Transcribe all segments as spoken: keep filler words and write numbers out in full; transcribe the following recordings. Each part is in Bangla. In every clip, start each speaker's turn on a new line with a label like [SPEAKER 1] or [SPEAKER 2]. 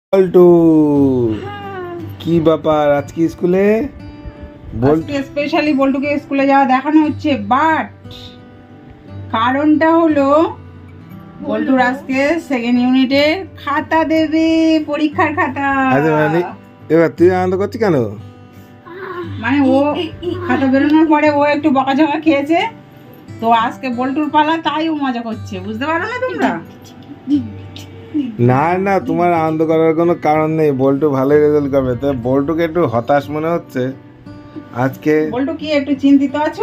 [SPEAKER 1] বল্টু কি ব্যাপার আজকে স্কুলে?
[SPEAKER 2] আজকে স্পেশালি বল্টুকে স্কুলে যাওয়া দেখানো হচ্ছে, বাট কারণটা হলো বল্টুর আজকে সেকেন্ড ইউনিটের খাতা দেবে, পরীক্ষার খাতা।
[SPEAKER 1] আচ্ছা মানে এবার তুই আনন্দ করছিস কেন?
[SPEAKER 2] মানে ও খাতা বেরোনোর পরে ও একটু বকাঝকা খেয়েছে, তো আজকে বল্টুর পালা, তাই ও মজা করছে, বুঝতে পারো না তোমরা?
[SPEAKER 1] না না, তোমার আনন্দ করার কোনো কারণ নেই, বল্টু ভালোই রেজাল্ট করবে। তো বল্টুকে একটু হতাশ মনে হচ্ছে আজকে।
[SPEAKER 2] বল্টু কি একটু চিন্তিত আছো?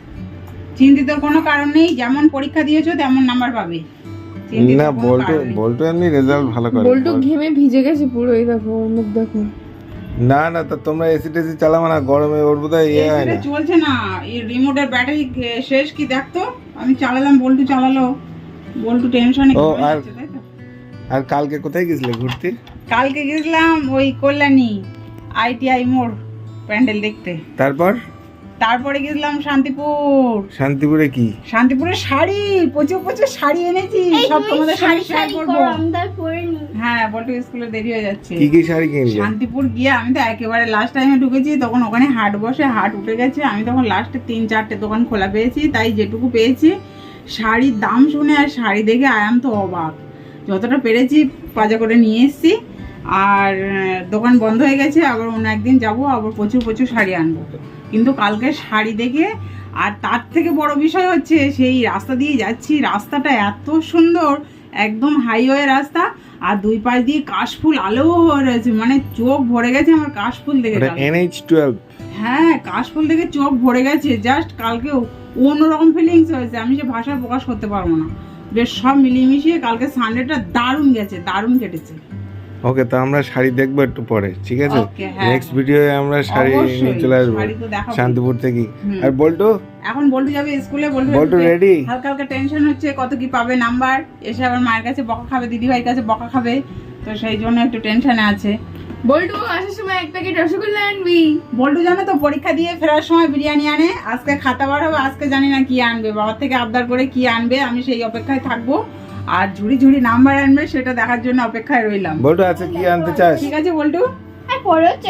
[SPEAKER 2] চিন্তিত কোনো কারণ নেই, যেমন পরীক্ষা দিয়েছো তেমন নাম্বার পাবে। চিন্তিত
[SPEAKER 1] না,
[SPEAKER 2] কোনো
[SPEAKER 1] বল্টু
[SPEAKER 2] কারণ নেই।
[SPEAKER 1] বল্টু এমনি রেজাল্ট ভালো করে।
[SPEAKER 3] বল্টু ঘেমে ভিজে গেছে পুরো, এই দেখো ওর মুখ দেখো।
[SPEAKER 1] না না, তো তোমরা এসি টেসি চালাবো না, গরমে ওর বোধহয় ইয়ে হয়
[SPEAKER 2] এসিটা
[SPEAKER 1] না।
[SPEAKER 2] চলছে না, এই রিমোটের ব্যাটারি শেষ, কি দেখতো, আমি চালালাম, বল্টু চালালো, বল্টু টেনশনে
[SPEAKER 1] ও,
[SPEAKER 2] ঘুমিয়ে
[SPEAKER 1] আর-
[SPEAKER 2] যাচ্ছে, তাই তো?
[SPEAKER 1] আর কালকে কোথায় গেছিলে ঘুরতে?
[SPEAKER 2] কালকে গেছিলাম ওই কল্যাণী আইটিআই মোড় প্যান্ডেল দেখতে।
[SPEAKER 1] তারপর
[SPEAKER 2] তারপরে গেছিলাম শান্তিপুর।
[SPEAKER 1] শান্তিপুরে কি?
[SPEAKER 2] শান্তিপুরে শাড়ি, প্রচুর প্রচুর শাড়ি এনেছি, সব তোমাদের সঙ্গে শেয়ার করবো। হ্যাঁ, বল্টু স্কুলে দেরি হয়ে যাচ্ছে।
[SPEAKER 1] কি কি শাড়ি কিনলে?
[SPEAKER 2] শান্তিপুর গিয়ে আমি তো একেবারে লাস্ট টাইমে ঢুকেছি, তখন ওখানে হাট বসে, হাট উঠে গেছে, আমি তখন লাস্টে তিন চারটে দোকান খোলা পেয়েছি, তাই যেটুকু পেয়েছি শাড়ির দাম শুনে আর শাড়ি দেখে আয়াম তো অবাক, যতটা পেরেছি বাজা করে নিয়ে এসেছি। আর আহ, দোকান বন্ধ হয়ে গেছে, আবার অন্য একদিন যাবো, আবার প্রচুর প্রচুর শাড়ি আনবো। কিন্তু কালকে শাড়ি দেখে, আর তার থেকে বড় বিষয় হচ্ছে সেই রাস্তা দিয়ে যাচ্ছি, রাস্তাটা এত সুন্দর, একদম হাইওয়ে রাস্তা, আর দুই পাশ দিয়ে কাশফুল আলো হয়ে রয়েছে, মানে চোখ ভরে গেছে আমার কাশফুল দেখে। কালকে।
[SPEAKER 1] NH twelve.
[SPEAKER 2] হ্যাঁ, কাশফুল দেখে চোখ ভরে গেছে, জাস্ট কালকে অন্যরকম ফিলিংস হয়েছে, আমি সে ভাষায় প্রকাশ করতে পারবো না। বেশ সব মিলিয়ে মিশিয়ে কালকে সানডেটা দারুণ গেছে, দারুণ কেটেছে।
[SPEAKER 1] ওকে, তো আমরা শাড়ি দেখবো একটু পরে, ঠিক আছে?
[SPEAKER 2] Okay, হ্যাঁ,
[SPEAKER 1] নেক্সট ভিডিওে আমরা শাড়ি
[SPEAKER 2] অবশ্যই,
[SPEAKER 1] নিয়ে চলে আসবো
[SPEAKER 2] শাড়ি তো দেখাবো।
[SPEAKER 1] শান্তিপুর থেকে।
[SPEAKER 2] হুম।
[SPEAKER 1] আর বল্টু
[SPEAKER 2] এখন বল্টু যাবে স্কুলে, বল্টু
[SPEAKER 1] বল্টু
[SPEAKER 2] একটু
[SPEAKER 1] ready?
[SPEAKER 2] হালকা হালকা টেনশন হচ্ছে, কত কি পাবে নাম্বার, এসে আবার মায়ের কাছে বকা খাবে, দিদি ভাইয়ের কাছে বকা খাবে, তো সেই জন্য একটু টেনশনে আছে।
[SPEAKER 3] বল্টু আসার সময় এক প্যাকেট রসগোল্লা আনবি।
[SPEAKER 2] বল্টু জানো তো পরীক্ষা দিয়ে ফেরার সময় বিরিয়ানি আনে, আজকে খাতা বার হবে, আজকে জানি না কি আনবে, বাবার থেকে আবদার করে কি আনবে, আমি সেই অপেক্ষায় থাকবো, আর ঝুড়ি ঝুড়ি নাম্বার আনবে সেটা দেখার জন্য অপেক্ষায় রইলাম।
[SPEAKER 1] বল্টু আছে কি আনতে চাস?
[SPEAKER 2] ঠিক আছে বল্টু,
[SPEAKER 1] হ্যাঁ।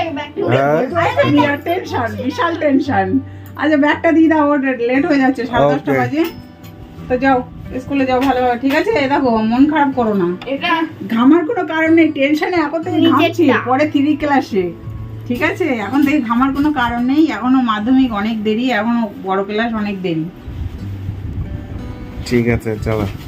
[SPEAKER 2] বিরাট টেনশন, বিশাল টেনশন। আচ্ছা ব্যাগটা দিয়ে দাও, ওর লেট হয়ে যাচ্ছে, সাড়ে দশটা
[SPEAKER 1] Okay.
[SPEAKER 2] বাজে, তো যাও স্কুলে যাও ভালোভাবে, ঠিক আছে? এ দেখো, মন খারাপ করো না,
[SPEAKER 3] এটা
[SPEAKER 2] ঘামার কোনো কারণ নেই, টেনশনে এখন থেকে ঘামছি, পরে থ্রি ক্লাসে, ঠিক আছে? এখন থেকে ঘামার কোনো কারণ নেই, এখনো মাধ্যমিক অনেক দেরি, এখনো বড় ক্লাস অনেক দেরি।
[SPEAKER 1] ঠিক আছে, চলো।